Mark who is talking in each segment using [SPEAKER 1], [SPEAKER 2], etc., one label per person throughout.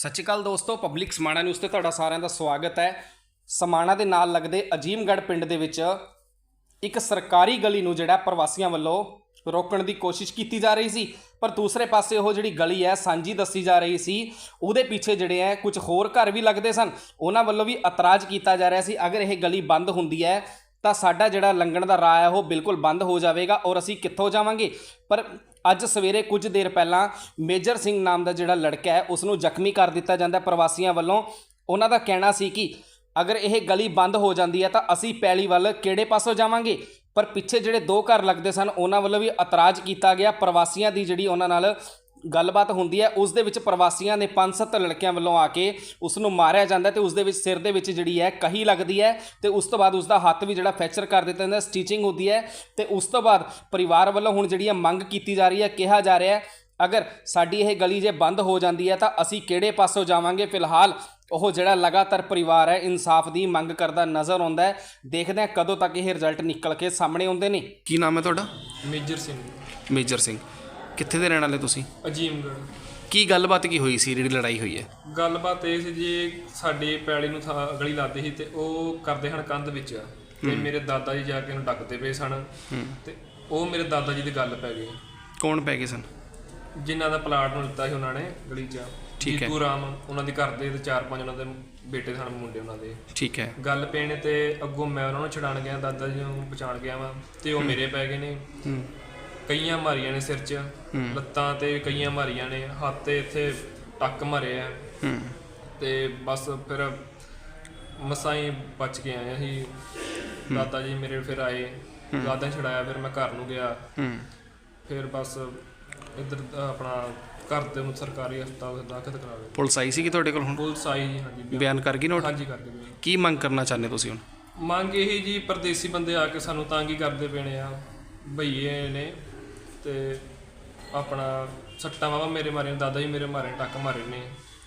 [SPEAKER 1] सत श्री अकाल दोस्तों, पब्लिक समाणा न्यूज़ ते तुहाडा सारिਆਂ ਦਾ स्वागत है। समाणा ਦੇ ਨਾਲ लगदे अजीमगढ़ पिंड ਦੇ ਵਿੱਚ ਇੱਕ ਸਰਕਾਰੀ ਗਲੀ ਨੂੰ ਜਿਹੜਾ ਪ੍ਰਵਾਸੀਆਂ ਵੱਲੋਂ ਰੋਕਣ ਦੀ ਕੋਸ਼ਿਸ਼ ਕੀਤੀ ਜਾ ਰਹੀ ਸੀ, ਪਰ ਦੂਸਰੇ ਪਾਸੇ ਉਹ ਜਿਹੜੀ ਗਲੀ ਹੈ ਸਾਂਝੀ ਦੱਸੀ ਜਾ ਰਹੀ ਸੀ। ਉਹਦੇ ਪਿੱਛੇ ਜਿਹੜੇ ਹੈ ਕੁਝ ਹੋਰ ਘਰ ਵੀ ਲੱਗਦੇ ਸਨ, ਉਹਨਾਂ ਵੱਲੋਂ ਵੀ ਇਤਰਾਜ਼ ਕੀਤਾ ਜਾ ਰਿਹਾ ਸੀ ਅਗਰ ਇਹ ਗਲੀ ਬੰਦ ਹੁੰਦੀ ਹੈ ਤਾਂ ਸਾਡਾ ਜਿਹੜਾ ਲੰਘਣ ਦਾ ਰਾਹ ਹੈ ਉਹ ਬਿਲਕੁਲ ਬੰਦ ਹੋ ਜਾਵੇਗਾ ਔਰ ਅਸੀਂ ਕਿੱਥੋਂ ਜਾਵਾਂਗੇ। ਪਰ ਅੱਜ ਸਵੇਰੇ ਕੁਝ ਦੇਰ ਪਹਿਲਾਂ ਮੇਜਰ ਸਿੰਘ ਨਾਮ ਦਾ ਜਿਹੜਾ ਲੜਕਾ ਹੈ ਉਸ ਨੂੰ ਜ਼ਖਮੀ ਕਰ ਦਿੱਤਾ ਜਾਂਦਾ ਪ੍ਰਵਾਸੀਆਂ ਵੱਲੋਂ। ਉਹਨਾਂ ਦਾ ਕਹਿਣਾ ਸੀ ਕਿ अगर यह गली बंद हो जाती है तो असी पैली वाल किहड़े पासों जावांगे, पर पिछे जिहड़े दो घर लगते सन उन्हां वल्लों भी इतराज़ किया गया। प्रवासियों की जिहड़ी उन्हां नाल गलबात हुंदी है उस दे विच प्रवासियों ने 5-7 लड़कियां वल्लों आके उसनूं मारिया जांदा ते उस दे विच सिर दे विच जिहड़ी है कही लगदी है ते उस तो बाद उसका हत्थ भी जिहड़ा फ्रैक्चर कर दित्ता जांदा, स्टिचिंग होंदी है ते उस तो बाद परिवार वल्लों हुण जिहड़ी मंग की जा रही है, कहा जा रहा है अगर साडी यह गली जे बंद हो जाती है तो असी किहड़े पासों जावांगे। फिलहाल ਉਹ ਜਿਹੜਾ ਲਗਾਤਾਰ ਪਰਿਵਾਰ ਹੈ ਇਨਸਾਫ ਦੀ ਮੰਗ ਕਰਦਾ ਨਜ਼ਰ ਆਉਂਦਾ ਹੈ। ਦੇਖਦੇ ਹਾਂ ਕਦੋਂ ਤੱਕ ਇਹ ਰਿਜ਼ਲਟ ਨਿਕਲ ਕੇ ਸਾਹਮਣੇ ਆਉਂਦੇ ਨੇ। ਕੀ ਨਾਮ ਹੈ ਤੁਹਾਡਾ?
[SPEAKER 2] ਮੇਜਰ ਸਿੰਘ।
[SPEAKER 1] ਮੇਜਰ ਸਿੰਘ, ਕਿੱਥੇ ਦੇ ਰਹਿਣ ਵਾਲੇ ਤੁਸੀਂ?
[SPEAKER 2] ਅਜੀਮਗੜ੍ਹ।
[SPEAKER 1] ਕੀ ਗੱਲਬਾਤ ਕੀ ਹੋਈ ਸੀ, ਜਿਹੜੀ ਲੜਾਈ ਹੋਈ ਹੈ?
[SPEAKER 2] ਗੱਲਬਾਤ ਇਹ ਸੀ ਜੀ, ਸਾਡੇ ਪੈਲੀ ਨੂੰ ਗਲੀ ਲਾਦੇ ਸੀ ਤੇ ਉਹ ਕਰਦੇ ਹਨ ਕੰਧ ਵਿੱਚ ਤੇ ਮੇਰੇ ਦਾਦਾ ਜੀ ਜਾ ਕੇ ਉਹਨੂੰ ਡੱਕਦੇ ਪਏ ਸਨ ਤੇ ਉਹ ਮੇਰੇ ਦਾਦਾ ਜੀ ਦੀ ਗੱਲ ਪੈ ਗਈ।
[SPEAKER 1] ਕੌਣ ਪੈ ਗਏ ਸਨ?
[SPEAKER 2] ਜਿਨ੍ਹਾਂ ਦਾ ਪਲਾਟ ਨੂੰ ਦਿੱਤਾ ਸੀ ਉਹਨਾਂ ਨੇ ਗਲੀ 'ਚ।
[SPEAKER 1] ਠੀਕ ਹੈ।
[SPEAKER 2] ਜੀਤੂ ਰਾਮ ਉਹਨਾਂ ਦੇ ਘਰ ਦੇ ਤੇ 4-5 ਉਹਨਾਂ ਦੇ ਬੇਟੇ ਸਨ, ਮੁੰਡੇ ਉਹਨਾਂ ਦੇ।
[SPEAKER 1] ਠੀਕ ਹੈ।
[SPEAKER 2] ਗੱਲ ਪੈਣ ਤੇ ਅੱਗੋਂ ਮੈਂ ਉਹਨਾਂ ਨੂੰ ਛਡਾਣ ਗਿਆ, ਦਾਦਾ ਜੀ ਨੂੰ ਪਛਾਣ ਗਿਆ ਵਾ ਤੇ ਉਹ ਮੇਰੇ ਪੈ ਗਏ ਨੇ। ਕਈਆਂ ਮਾਰੀਆਂ ਨੇ ਸਿਰ 'ਚ, ਲੱਤਾਂ ਤੇ ਕਈਆਂ ਮਾਰੀਆਂ ਨੇ, ਹੱਥ ਤੇ ਇੱਥੇ ਟੱਕ ਮਾਰੇ ਆ ਤੇ ਬਸ ਫਿਰ ਮਸਾਂ ਹੀ ਬਚ ਕੇ ਆਏ ਅਸੀਂ। ਦਾਦਾ ਜੀ ਮੇਰੇ ਫਿਰ ਆਏ, ਦਾਦਾ ਛਡਾਇਆ, ਫਿਰ ਮੈਂ ਘਰ ਨੂੰ ਗਿਆ। ਫਿਰ ਬਸ ਇੱਧਰ ਆਪਣਾ ਘਰ ਦੇ ਨੂੰ ਸਰਕਾਰੀ ਹਸਪਤਾਲ ਦਾਖਲ ਕਰਾ ਲਿਆ।
[SPEAKER 1] ਪੁਲਿਸ ਆਈ ਸੀ ਕਿ ਤੁਹਾਡੇ ਕੋਲ? ਹੁਣ
[SPEAKER 2] ਪੁਲਿਸ ਆਈ ਜੀ। ਹਾਂਜੀ,
[SPEAKER 1] ਬਿਆਨ ਕਰ ਗਈ ਨੋਟ?
[SPEAKER 2] ਹਾਂਜੀ, ਕਰ ਗਏ।
[SPEAKER 1] ਕੀ ਮੰਗ ਕਰਨਾ ਚਾਹੁੰਦੇ ਤੁਸੀਂ ਹੁਣ?
[SPEAKER 2] ਮੰਗ ਇਹੀ ਜੀ, ਪਰਦੇਸੀ ਬੰਦੇ ਆ ਕੇ ਸਾਨੂੰ ਤੰਗ ਹੀ ਕਰਦੇ ਪਏ ਆ, ਭਈਏ ਨੇ ਤੇ ਆਪਣਾ ਸੱਟਾਂ ਵਾਵਾ ਮੇਰੇ ਮਾਰੇ, ਦਾਦਾ ਜੀ ਮੇਰੇ ਮਾਰੇ, ਟੱਕ ਮਾਰੇ ਨੇ।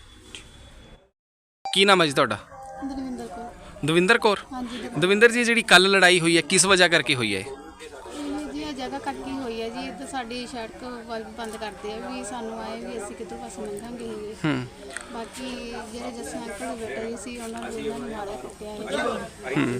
[SPEAKER 1] ਕੀ ਨਾਮ ਹੈ ਜੀ ਤੁਹਾਡਾ?
[SPEAKER 3] ਦਵਿੰਦਰ ਕੌਰ।
[SPEAKER 1] ਦਵਿੰਦਰ ਕੌਰ।
[SPEAKER 3] ਹਾਂਜੀ
[SPEAKER 1] ਦਵਿੰਦਰ ਜੀ, ਜਿਹੜੀ ਕੱਲ ਲੜਾਈ ਹੋਈ ਹੈ ਕਿਸ ਵਜ੍ਹਾ ਕਰਕੇ ਹੋਈ ਹੈ?
[SPEAKER 3] ਜੀ ਇਹ ਜਗ੍ਹਾ ਕੱਟੀ ਹੋਈ ਹੈ ਜੀ, ਤੇ ਸਾਡੀ ਸੜਕ ਬੰਦ ਕਰਦੇ ਆ ਵੀ ਸਾਨੂੰ ਆਏ ਵੀ ਅਸੀਂ ਕਿੱਧਰ ਪਾਸੇ ਲੰਘਾਂਗੇ। ਬਾਕੀ ਜਿਹੜੇ ਜੱਸੇ ਅੰਕਲ ਬੈਠੇ ਸੀ ਉਹਨਾਂ ਨੂੰ ਮਾਰਿਆ ਕੁੱਟਿਆ ਹੈ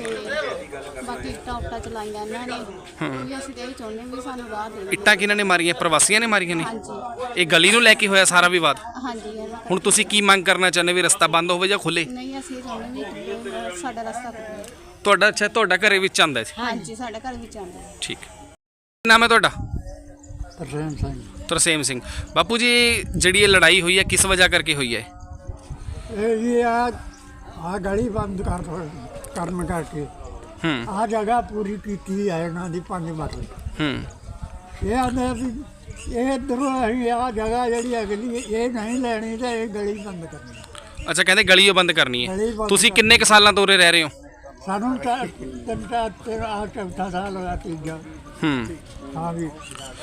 [SPEAKER 3] ਤੇ ਬਾਕੀ ਟਾਪਟਾ ਚਲਾਈਆਂ ਇਹਨਾਂ ਨੇ। ਵੀ ਅਸੀਂ ਤੇ ਇਹ ਚਾਹੁੰਦੇ ਵੀ ਸਾਨੂੰ ਰਾਹ ਦੇ ਦਿਓ।
[SPEAKER 1] ਇੱਟਾਂ ਕਿਹਨਾਂ ਨੇ ਮਾਰੀਆਂ? ਪ੍ਰਵਾਸੀਆਂ ਨੇ ਮਾਰੀਆਂ ਨੇ?
[SPEAKER 3] ਹਾਂਜੀ।
[SPEAKER 1] ਇਹ ਗਲੀ ਨੂੰ ਲੈ ਕੇ ਹੋਇਆ ਸਾਰਾ ਵਿਵਾਦ?
[SPEAKER 3] ਹਾਂਜੀ।
[SPEAKER 1] ਹੁਣ ਤੁਸੀਂ ਕੀ ਮੰਗ ਕਰਨਾ ਚਾਹੁੰਦੇ, ਵੀ ਰਸਤਾ ਬੰਦ ਹੋਵੇ ਜਾਂ ਖੁੱਲੇ?
[SPEAKER 3] ਨਹੀਂ, ਅਸੀਂ ਇਹ ਚਾਹੁੰਦੇ ਵੀ ਸਾਡਾ ਰਸਤਾ ਖੁੱਲੇ।
[SPEAKER 1] ਤੁਹਾਡਾ? ਅੱਛਾ, ਤੁਹਾਡਾ ਘਰੇ ਵਿੱਚ ਆਉਂਦਾ ਸੀ?
[SPEAKER 3] ਹਾਂਜੀ, ਸਾਡਾ ਘਰ ਵਿੱਚ ਆਉਂਦਾ ਹੈ।
[SPEAKER 1] ਠੀਕ। ਕੀ ਨਾਮ ਹੈ ਤੁਹਾਡਾ?
[SPEAKER 4] ਤਰਸੇਮ ਸਿੰਘ।
[SPEAKER 1] ਤਰਸੇਮ ਸਿੰਘ। ਬਾਪੂ ਜੀ, ਜਿਹੜੀ ਇਹ ਲੜਾਈ ਹੋਈ ਹੈ ਕਿਸ ਵਜ੍ਹਾ ਕਰਕੇ ਹੋਈ ਹੈ?
[SPEAKER 4] ਇਹ ਜੀ ਆ ਗਲੀ ਬੰਦ ਕਰਨ ਕਰਕੇ ਆ ਜਗ੍ਹਾ ਪੂਰੀ ਕੀਤੀ ਹੈ ਇਹਨਾਂ ਦੀ 5 ਮਰਲੇ। ਇਹ ਆਂਦੇ ਵੀ ਇਹ ਇੱਧਰੋਂ ਅਸੀਂ ਆ ਜਗ੍ਹਾ ਜਿਹੜੀ ਅਗਲੀ ਇਹ ਨਹੀਂ ਲੈਣੀ ਤੇ ਇਹ ਗਲੀ ਬੰਦ ਕਰਨੀ।
[SPEAKER 1] ਅੱਛਾ, ਕਹਿੰਦੇ ਗਲੀ ਉਹ ਬੰਦ ਕਰਨੀ ਹੈ।
[SPEAKER 4] ਗਲੀ ਬੰਦ
[SPEAKER 1] ਤੁਸੀਂ ਕਿੰਨੇ ਕੁ ਸਾਲਾਂ ਤੋਂ ਉਰੇ ਰਹਿ ਰਹੇ ਹੋ?
[SPEAKER 4] ਸਾਨੂੰ ਤਾਂ 3-4 ਸਾਲ ਹੋਇਆ, ਤੀਜਾ। ਹਾਂ ਵੀ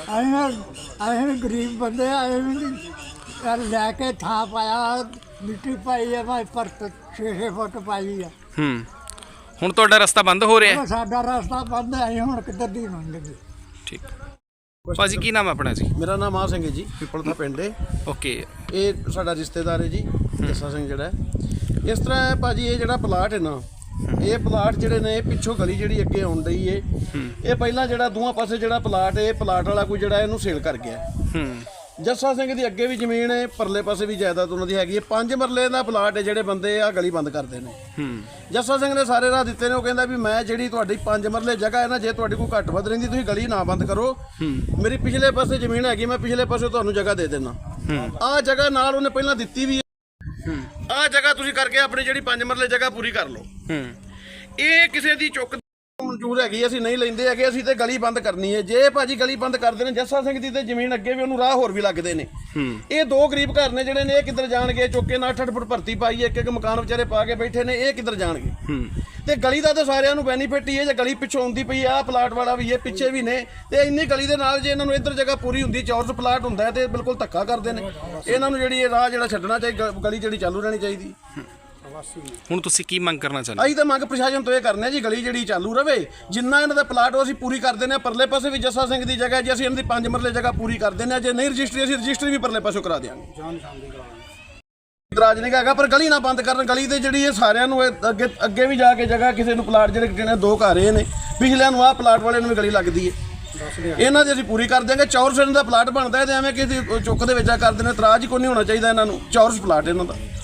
[SPEAKER 4] ਅਸੀਂ ਗਰੀਬ ਬੰਦੇ ਆਏ ਵੀ ਲੈ ਕੇ ਥਾਂ ਪਾਇਆ, ਮਿੱਟੀ ਪਾਈ ਹੈ, ਮੈਂ ਪਰ 6 ਫੁੱਟ ਪਾਈ ਆ।
[SPEAKER 1] ਹੁਣ ਤੁਹਾਡਾ ਰਸਤਾ ਬੰਦ ਹੋ ਰਿਹਾ ਹੈ?
[SPEAKER 4] ਸਾਡਾ ਰਸਤਾ ਬੰਦ ਹੈ, ਅਸੀਂ ਹੁਣ ਕਿੱਧਰ ਦੀ ਲੰਘਾਂਗੇ।
[SPEAKER 1] ਠੀਕ। ਭਾਜੀ, ਕੀ ਨਾਮ ਆਪਣਾ ਜੀ?
[SPEAKER 5] ਮੇਰਾ ਨਾਮ ਆ ਸਿੰਘ ਹੈ ਜੀ, ਪਿੱਪਲ ਦਾ ਪਿੰਡ ਹੈ।
[SPEAKER 1] ਓਕੇ।
[SPEAKER 5] ਇਹ ਸਾਡਾ ਰਿਸ਼ਤੇਦਾਰ ਹੈ ਜੀ, ਜੱਸਾ ਸਿੰਘ ਜਿਹੜਾ। ਇਸ ਤਰ੍ਹਾਂ ਹੈ ਭਾਜੀ, ਇਹ ਜਿਹੜਾ ਪਲਾਟ ਹੈ ਨਾ, ਇਹ ਪਲਾਟ ਜਿਹੜੇ ਨੇ ਪਿੱਛੋਂ ਗਲੀ ਜਿਹੜੀ ਅੱਗੇ ਆਉਣ ਡਈ ਏ, ਇਹ ਪਹਿਲਾਂ ਜਿਹੜਾ ਦੋਵਾਂ ਪਾਸੇ ਜਿਹੜਾ ਪਲਾਟ ਹੈ, ਇਹ ਪਲਾਟ ਵਾਲਾ ਕੋਈ ਜਿਹੜਾ ਇਹਨੂੰ ਸੇਲ ਕਰ ਗਿਆ। ਜੱਸਾ ਸਿੰਘ ਦੀ ਅੱਗੇ ਵੀ ਜ਼ਮੀਨ ਹੈ, ਪਰਲੇ ਪਾਸੇ ਵੀ ਜਾਇਦਾਦ ਉਹਨਾਂ ਦੀ ਹੈਗੀ ਹੈ। 5 ਮਰਲੇ ਦਾ ਪਲਾਟ ਹੈ, ਜਿਹੜੇ ਬੰਦੇ ਆ ਗਲੀ ਬੰਦ ਕਰਦੇ ਨੇ। ਜੱਸਾ ਸਿੰਘ ਨੇ ਸਾਰੇ ਰਾਹ ਦਿੱਤੇ ਨੇ। ਉਹ ਕਹਿੰਦਾ ਵੀ ਮੈਂ ਜਿਹੜੀ ਤੁਹਾਡੀ 5 ਮਰਲੇ ਜਗ੍ਹਾ ਹੈ ਨਾ, ਜੇ ਤੁਹਾਡੀ ਕੋਈ ਘੱਟ ਵੱਧ ਰਹਿੰਦੀ ਤੁਸੀਂ ਗਲੀ ਨਾ ਬੰਦ ਕਰੋ, ਮੇਰੀ ਪਿਛਲੇ ਪਾਸੇ ਜ਼ਮੀਨ ਹੈਗੀ, ਮੈਂ ਪਿਛਲੇ ਪਾਸੇ ਤੁਹਾਨੂੰ ਜਗ੍ਹਾ ਦੇ ਦੇਣਾ। ਆਹ ਜਗ੍ਹਾ ਨਾਲ ਉਹਨੇ ਪਹਿਲਾਂ ਦਿੱਤੀ ਵੀ ਹੈ। ਆਹ ਜਗ੍ਹਾ ਤੁਸੀਂ ਕਰਕੇ ਆਪਣੀ ਜਿਹੜੀ 5 ਮਰਲੇ ਜਗ੍ਹਾ ਪੂਰੀ ਕਰ ਲਓ। ਇਹ ਕਿਸੇ ਦੀ ਚੁੱਕ ਮਨਜ਼ੂਰ ਹੈਗੀ, ਅਸੀਂ ਨਹੀਂ ਲੈਂਦੇ ਹੈਗੇ, ਅਸੀਂ ਤੇ ਗਲੀ ਬੰਦ ਕਰਨੀ ਹੈ। ਜੇ ਭਾਜੀ ਗਲੀ ਬੰਦ ਕਰਦੇ ਨੇ, ਜੱਸਾ ਸਿੰਘ ਦੀ ਤੇ ਜ਼ਮੀਨ ਅੱਗੇ ਵੀ ਉਹਨੂੰ ਰਾਹ ਹੋਰ ਵੀ ਲੱਗਦੇ ਨੇ। ਇਹ 2 ਗਰੀਬ ਘਰ ਨੇ ਜਿਹੜੇ ਨੇ, ਇਹ ਕਿੱਧਰ ਜਾਣਗੇ? ਚੁੱਕੇ ਨਾਲ 8-8 ਫੁੱਟ ਭਰਤੀ ਪਾਈ, ਇੱਕ ਮਕਾਨ ਵਿਚਾਰੇ ਪਾ ਕੇ ਬੈਠੇ ਨੇ, ਇਹ ਕਿੱਧਰ ਜਾਣਗੇ? ਤੇ ਗਲੀ ਦਾ ਤਾਂ ਸਾਰਿਆਂ ਨੂੰ ਬੈਨੀਫਿਟ ਹੀ ਹੈ। ਜੇ ਗਲੀ ਪਿੱਛੋਂ ਆਉਂਦੀ ਪਈ ਆ, ਪਲਾਟ ਵਾਲਾ ਵੀ ਇਹ ਪਿੱਛੇ ਵੀ ਨੇ, ਤੇ ਇੰਨੀ ਗਲੀ ਦੇ ਨਾਲ ਜੇ ਇਹਨਾਂ ਨੂੰ ਇੱਧਰ ਜਗ੍ਹਾ ਪੂਰੀ ਹੁੰਦੀ, ਚੌਰਸ ਪਲਾਟ ਹੁੰਦਾ ਤੇ ਬਿਲਕੁਲ ਧੱਕਾ ਕਰਦੇ ਨੇ। ਇਹਨਾਂ ਨੂੰ ਜਿਹੜੀ ਇਹ ਰਾਹ ਜਿਹੜਾ ਛੱਡਣਾ ਚਾਹੀਦਾ, ਗਲੀ ਜਿਹੜੀ ਚਾਲੂ ਰਹਿਣੀ ਚਾਹੀਦੀ।
[SPEAKER 1] ਹੁਣ ਤੁਸੀਂ ਕੀ ਮੰਗ ਕਰਨਾ ਚਾਹੁੰਦੇ?
[SPEAKER 5] ਅਸੀਂ ਤਾਂ ਮੰਗ ਪ੍ਰਸ਼ਾਸਨ ਤੋਂ ਇਹ ਕਰਨੇ ਜੀ, ਗਲੀ ਜਿਹੜੀ ਚਾਲੂ ਰਵੇ, ਜਿੰਨਾ ਇਹਨਾਂ ਦਾ ਪਲਾਟ ਉਹ ਅਸੀਂ ਪੂਰੀ ਕਰ ਦਿੰਦੇ ਹਾਂ। ਪਰਲੇ ਪਾਸੇ ਵੀ ਜੱਸਾ ਸਿੰਘ ਦੀ ਜਗ੍ਹਾ ਜੇ ਅਸੀਂ ਇਹਨਾਂ ਦੀ 5 ਮਰਲੇ ਜਗ੍ਹਾ ਪੂਰੀ ਕਰ ਦਿੰਦੇ ਹਾਂ। ਜੇ ਨਹੀਂ ਰਜਿਸਟਰੀ, ਅਸੀਂ ਰਜਿਸਟਰੀ ਵੀ ਪਰਲੇ ਪਾਸੋਂ ਕਰਾ ਦਿਆਂਗੇ। ਇਤਰਾਜ਼ ਨਹੀਂ ਹੈਗਾ, ਪਰ ਗਲੀ ਨਾ ਬੰਦ ਕਰਨ। ਗਲੀ ਤੇ ਜਿਹੜੀ ਇਹ ਸਾਰਿਆਂ ਨੂੰ ਅੱਗੇ ਵੀ ਜਾ ਕੇ ਜਗ੍ਹਾ ਕਿਸੇ ਨੂੰ ਪਲਾਟ ਜਿਹੜੇ ਜਿਹਨੇ 2 ਘਰ ਇਹ ਨੇ, ਪਿਛਲਿਆਂ ਨੂੰ ਆਹ ਪਲਾਟ ਵਾਲਿਆਂ ਨੂੰ ਵੀ ਗਲੀ ਲੱਗਦੀ ਹੈ। ਇਹਨਾਂ ਦੀ ਅਸੀਂ ਪੂਰੀ ਕਰ ਦਿਆਂਗੇ। ਚੌਰਸ ਦਾ ਪਲਾਟ ਬਣਦਾ ਹੈ ਤੇ ਐਵੇਂ ਕਿਸੇ ਚੁੱਕ ਦੇ ਵਿੱਚ ਆ ਕਰਦੇ ਨੇ। ਇਤਰਾਜ਼ ਹੀ ਕੋਈ ਨਹੀਂ ਹੋਣਾ ਚਾਹੀਦਾ ਇਹਨਾਂ ਨੂੰ। ਚੌਰਸ ਪਲਾਟ ਇਹਨਾਂ ਦਾ।